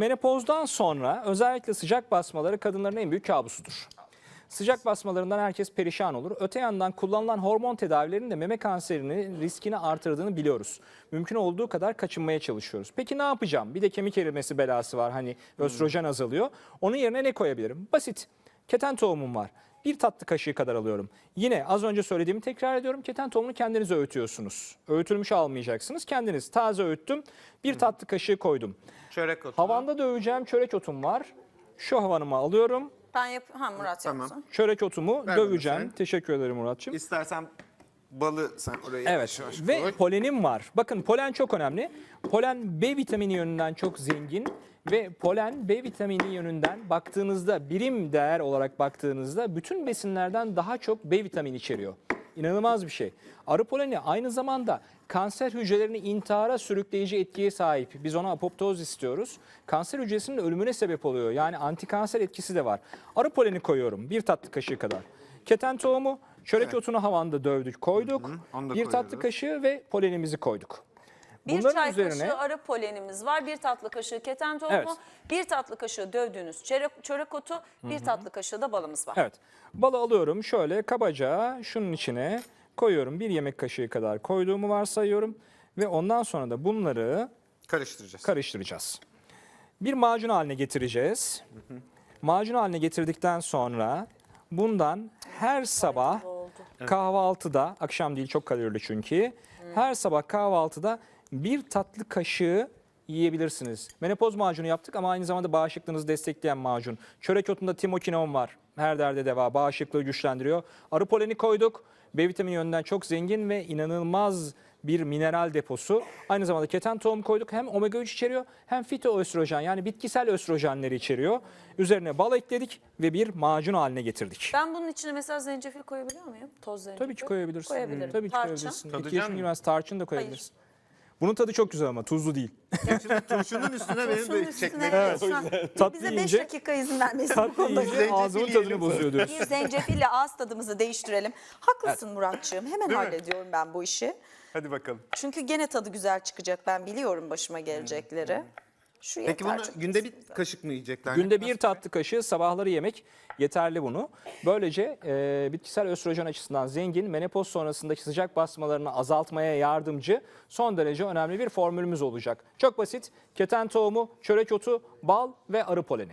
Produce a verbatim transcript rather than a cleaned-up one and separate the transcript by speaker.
Speaker 1: menopozdan sonra özellikle sıcak basmaları kadınların en büyük kabusudur. Sıcak basmalarından herkes perişan olur. Öte yandan kullanılan hormon tedavilerinin de meme kanserinin riskini artırdığını biliyoruz. Mümkün olduğu kadar kaçınmaya çalışıyoruz. Peki ne yapacağım? Bir de kemik erimesi belası var. Hani östrojen azalıyor. Onun yerine ne koyabilirim? Basit. Keten tohumum var. Bir tatlı kaşığı kadar alıyorum. Yine az önce söylediğimi tekrar ediyorum. Keten tohumunu kendiniz öğütüyorsunuz. Öğütülmüş almayacaksınız. Kendiniz taze öğüttüm. Bir tatlı kaşığı koydum.
Speaker 2: Çörek otu.
Speaker 1: Havanda döveceğim çörek otum var. Şu havanımı alıyorum.
Speaker 3: Ben yap ha Murat
Speaker 2: Tamam.
Speaker 3: yapsın.
Speaker 1: Çörek otumu
Speaker 2: Ver bana
Speaker 1: döveceğim.
Speaker 2: sen.
Speaker 1: Teşekkür ederim Muratçığım.
Speaker 2: İstersen balı sen oraya
Speaker 1: Evet
Speaker 2: yavaş yavaş
Speaker 1: ve
Speaker 2: koy.
Speaker 1: polenim var. Bakın polen çok önemli. Polen B vitamini yönünden çok zengin ve polen B vitamini yönünden baktığınızda birim değer olarak baktığınızda bütün besinlerden daha çok B vitamini içeriyor. İnanılmaz bir şey. Arı poleni aynı zamanda kanser hücrelerini intihara sürükleyici etkiye sahip. Biz ona apoptoz istiyoruz. Kanser hücresinin ölümüne sebep oluyor. Yani antikanser etkisi de var. Arı poleni koyuyorum bir tatlı kaşığı kadar. Keten tohumu, çörek
Speaker 2: Evet.
Speaker 1: otunu havanda dövdük, koyduk.
Speaker 2: onu da
Speaker 1: Bir tatlı
Speaker 2: koyuyoruz.
Speaker 1: kaşığı ve polenimizi koyduk.
Speaker 3: Bir
Speaker 1: Bunların
Speaker 3: çay
Speaker 1: üzerine
Speaker 3: kaşığı arı polenimiz var. Bir tatlı kaşığı keten tohumu.
Speaker 1: Evet.
Speaker 3: Bir tatlı kaşığı dövdüğünüz çörek, çörek otu. Bir tatlı kaşığı da balımız var.
Speaker 1: evet, balı alıyorum şöyle kabaca şunun içine koyuyorum. Bir yemek kaşığı kadar koyduğumu varsayıyorum. Ve ondan sonra da bunları
Speaker 2: Karıştıracağız.
Speaker 1: karıştıracağız. Bir macun haline getireceğiz. Macun haline getirdikten sonra bundan her sabah kahvaltıda, akşam değil çok kalorili çünkü, her sabah kahvaltıda bir tatlı kaşığı yiyebilirsiniz. Menopoz macunu yaptık ama aynı zamanda bağışıklığınızı destekleyen macun. Çörek otunda timokinon var. Her derde deva, bağışıklığı güçlendiriyor. Arı poleni koyduk. B vitamini yönünden çok zengin ve inanılmaz bir mineral deposu. Aynı zamanda keten tohum koyduk. Hem omega üç içeriyor hem fitoöstrojen yani bitkisel östrojenleri içeriyor. Üzerine bal ekledik ve bir macun haline getirdik.
Speaker 3: Ben bunun içine mesela zencefil koyabiliyor muyum? Toz zencefil.
Speaker 1: Tabii ki koyabilirsin.
Speaker 3: Koyabilirim.
Speaker 1: Tabii ki
Speaker 3: Tarçın.
Speaker 1: koyabilirsin.
Speaker 2: Tadacak
Speaker 1: İki yaşın
Speaker 2: mısın?
Speaker 1: girmez tarçın da koyabilirsin. Bunun tadı çok güzel ama tuzlu değil.
Speaker 2: Turşunun üstüne benim
Speaker 3: Şunun
Speaker 2: de
Speaker 3: üstüne
Speaker 2: çekmek
Speaker 3: evet,
Speaker 2: lazım.
Speaker 3: lütfen.
Speaker 1: Tatlı
Speaker 3: Bize beş
Speaker 1: yiyince-
Speaker 3: dakika izin vermesin. bu
Speaker 1: Tatlı
Speaker 3: konuda.
Speaker 1: yiyince
Speaker 2: Zencefil
Speaker 1: ağzının
Speaker 2: yiyelim.
Speaker 1: tadını bozuyor diyorsun.
Speaker 3: Bir zencefille ağız tadımızı değiştirelim. Haklısın Muratçığım. Hemen
Speaker 2: Değil mi?
Speaker 3: hallediyorum ben bu işi.
Speaker 2: Hadi bakalım.
Speaker 3: Çünkü gene tadı güzel çıkacak. Ben biliyorum başıma gelecekleri. Şu yeter.
Speaker 2: Peki bunu
Speaker 3: çok
Speaker 2: günde bir
Speaker 3: kesinlikle.
Speaker 2: kaşık mı yiyecekler?
Speaker 1: Günde bir tatlı kaşığı sabahları yemek yeterli bunu. Böylece e, bitkisel östrojen açısından zengin, menopoz sonrasındaki sıcak basmalarını azaltmaya yardımcı son derece önemli bir formülümüz olacak. Çok basit. Keten tohumu, çörek otu, bal ve arı poleni.